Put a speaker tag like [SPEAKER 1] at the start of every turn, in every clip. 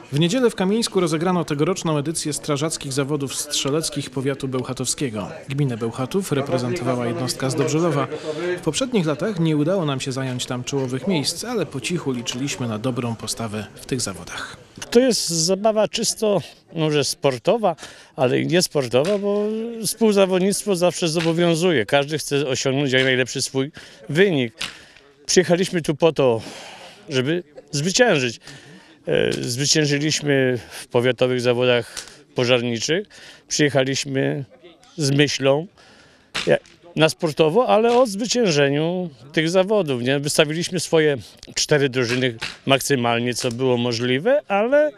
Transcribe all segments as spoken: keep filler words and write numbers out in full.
[SPEAKER 1] W niedzielę w Kamieńsku rozegrano tegoroczną edycję strażackich zawodów strzeleckich powiatu bełchatowskiego. Gminę Bełchatów reprezentowała jednostka z Dobrzelowa. W poprzednich latach nie udało nam się zająć tam czołowych miejsc, ale po cichu liczyliśmy na dobrą postawę w tych zawodach.
[SPEAKER 2] To jest zabawa czysto, może sportowa, ale i niesportowa, bo współzawodnictwo zawsze zobowiązuje. Każdy chce osiągnąć jak najlepszy swój wynik. Przyjechaliśmy tu po to, żeby zwyciężyć. Zwyciężyliśmy w powiatowych zawodach pożarniczych. Przyjechaliśmy z myślą na sportowo, ale o zwyciężeniu tych zawodów. Nie? Wystawiliśmy swoje cztery drużyny maksymalnie, co było możliwe, ale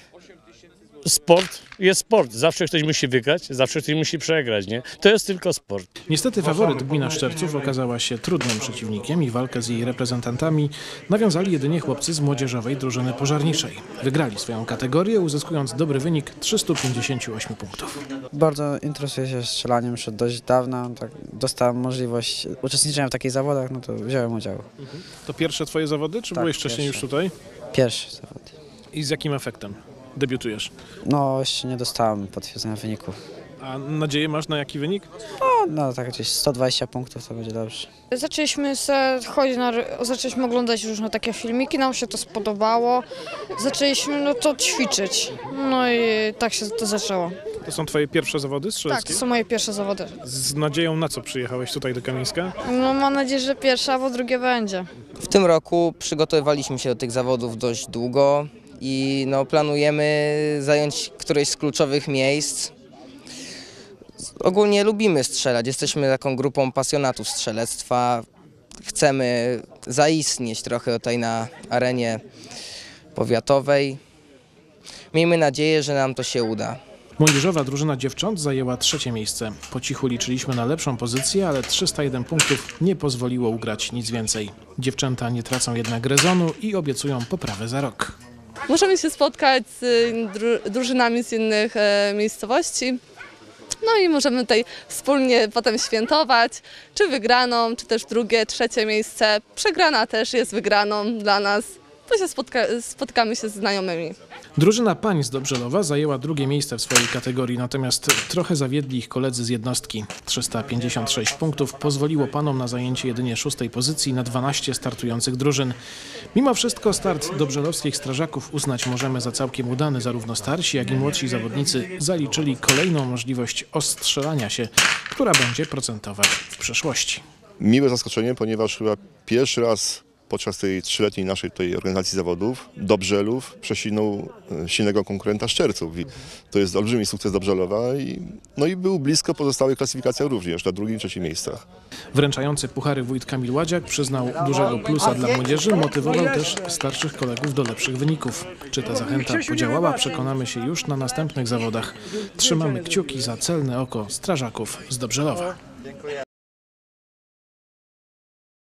[SPEAKER 2] sport jest sport. Zawsze ktoś musi wygrać, zawsze ktoś musi przegrać. Nie? To jest tylko sport.
[SPEAKER 1] Niestety faworyt gmina Szczerców okazała się trudnym przeciwnikiem i walkę z jej reprezentantami nawiązali jedynie chłopcy z młodzieżowej drużyny pożarniczej. Wygrali swoją kategorię, uzyskując dobry wynik trzystu pięćdziesięciu ośmiu punktów.
[SPEAKER 3] Bardzo interesuję się strzelaniem już od dość dawna. Tak, dostałem możliwość uczestniczenia w takich zawodach, no to wziąłem udział.
[SPEAKER 1] To pierwsze twoje zawody, czy
[SPEAKER 3] Tak,
[SPEAKER 1] byłeś wcześniej
[SPEAKER 3] pierwsze.
[SPEAKER 1] już tutaj?
[SPEAKER 3] Pierwszy zawód.
[SPEAKER 1] I z jakim efektem debiutujesz?
[SPEAKER 3] No jeszcze nie dostałem potwierdzenia wyniku.
[SPEAKER 1] A nadzieję masz na jaki wynik?
[SPEAKER 3] No, no tak gdzieś sto dwadzieścia punktów to będzie dobrze.
[SPEAKER 4] Zaczęliśmy se chodzić na, zaczęliśmy oglądać różne takie filmiki, nam się to spodobało. Zaczęliśmy no to ćwiczyć. No i tak się to zaczęło.
[SPEAKER 1] To są twoje pierwsze zawody
[SPEAKER 4] Tak,
[SPEAKER 1] strzeleckie?
[SPEAKER 4] to są moje pierwsze zawody.
[SPEAKER 1] Z nadzieją na co przyjechałeś tutaj do Kamieńska?
[SPEAKER 4] No mam nadzieję, że pierwsza, albo drugie będzie.
[SPEAKER 5] W tym roku przygotowywaliśmy się do tych zawodów dość długo i no, planujemy zająć któreś z kluczowych miejsc. Ogólnie lubimy strzelać, jesteśmy taką grupą pasjonatów strzelectwa. Chcemy zaistnieć trochę tutaj na arenie powiatowej. Miejmy nadzieję, że nam to się uda.
[SPEAKER 1] Młodzieżowa drużyna dziewcząt zajęła trzecie miejsce. Po cichu liczyliśmy na lepszą pozycję, ale trzysta jeden punktów nie pozwoliło ugrać nic więcej. Dziewczęta nie tracą jednak rezonu i obiecują poprawę za rok.
[SPEAKER 6] Możemy się spotkać z dru drużynami z innych e, miejscowości. No i możemy tutaj wspólnie potem świętować, czy wygraną, czy też drugie, trzecie miejsce. Przegrana też jest wygraną dla nas, bo się spotka spotkamy się z znajomymi.
[SPEAKER 1] Drużyna pań z Dobrzelowa zajęła drugie miejsce w swojej kategorii, natomiast trochę zawiedli ich koledzy z jednostki. trzysta pięćdziesiąt sześć punktów pozwoliło panom na zajęcie jedynie szóstej pozycji na dwanaście startujących drużyn. Mimo wszystko start dobrzelowskich strażaków uznać możemy za całkiem udany. Zarówno starsi, jak i młodsi zawodnicy zaliczyli kolejną możliwość ostrzelania się, która będzie procentować w przyszłości.
[SPEAKER 7] Miłe zaskoczenie, ponieważ chyba pierwszy raz podczas tej trzyletniej naszej tej organizacji zawodów Dobrzelów przesinął silnego konkurenta Szczerców. I to jest olbrzymi sukces Dobrzelowa i, no i był blisko pozostałych klasyfikacjach również na drugim i trzecim miejscach.
[SPEAKER 1] Wręczający puchary wójt Kamil Ładziak przyznał dużego plusa dla młodzieży, motywował też starszych kolegów do lepszych wyników. Czy ta zachęta podziałała, przekonamy się już na następnych zawodach. Trzymamy kciuki za celne oko strażaków z Dobrzelowa.